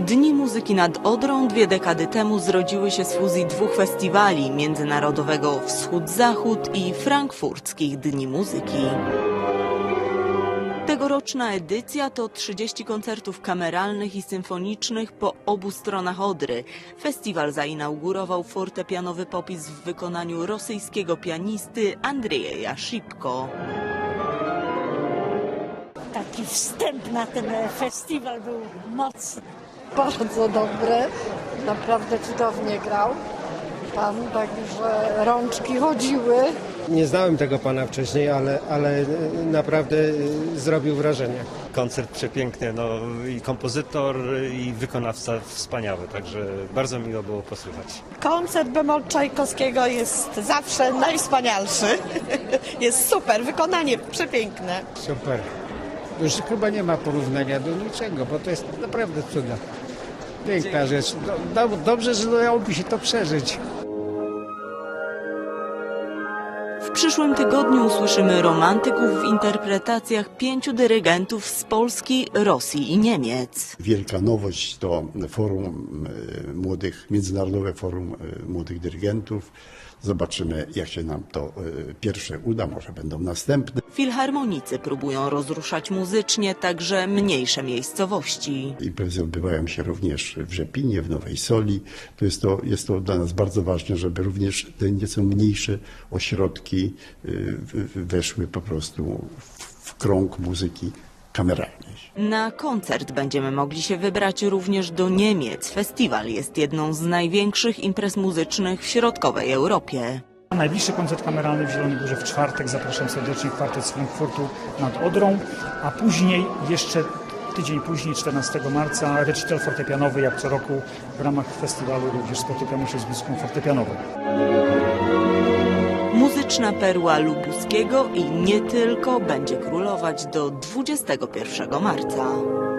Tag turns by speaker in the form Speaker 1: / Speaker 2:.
Speaker 1: Dni Muzyki nad Odrą 2 dekady temu zrodziły się z fuzji 2 festiwali: międzynarodowego Wschód-Zachód i frankfurckich Dni Muzyki. Tegoroczna edycja to 30 koncertów kameralnych i symfonicznych po obu stronach Odry. Festiwal zainaugurował fortepianowy popis w wykonaniu rosyjskiego pianisty Andrieja Szipko.
Speaker 2: Taki wstęp na ten festiwal był mocny.
Speaker 3: Bardzo dobre, naprawdę cudownie grał pan, także rączki chodziły.
Speaker 4: Nie znałem tego pana wcześniej, ale naprawdę zrobił wrażenie.
Speaker 5: Koncert przepiękny, no i kompozytor, i wykonawca wspaniały, także bardzo miło było posłuchać.
Speaker 6: Koncert bemol Czajkowskiego jest zawsze najwspanialszy. Jest super, wykonanie przepiękne.
Speaker 7: Super. Już chyba nie ma porównania do niczego, bo to jest naprawdę cuda. Piękna rzecz. Dobrze, że udałoby się to przeżyć.
Speaker 1: W przyszłym tygodniu usłyszymy romantyków w interpretacjach 5 dyrygentów z Polski, Rosji i Niemiec.
Speaker 8: Wielka nowość to Międzynarodowe Forum Młodych Dyrygentów. Zobaczymy, jak się nam to pierwsze uda, może będą następne.
Speaker 1: Filharmonicy próbują rozruszać muzycznie także mniejsze miejscowości.
Speaker 8: Imprezy odbywają się również w Rzepinie, w Nowej Soli. Jest to dla nas bardzo ważne, żeby również te nieco mniejsze ośrodki weszły po prostu w krąg muzyki kameralnej.
Speaker 1: Na koncert będziemy mogli się wybrać również do Niemiec. Festiwal jest jedną z największych imprez muzycznych w środkowej Europie.
Speaker 9: Najbliższy koncert kameralny w Zielonej Górze w czwartek. Zapraszam serdecznie, kwartet z Frankfurtu nad Odrą, a później, jeszcze tydzień później, 14 marca, recital fortepianowy, jak co roku w ramach festiwalu również spotykamy się z muzyką fortepianową.
Speaker 1: Muzyczna perła Lubuskiego i nie tylko będzie królować do 21 marca.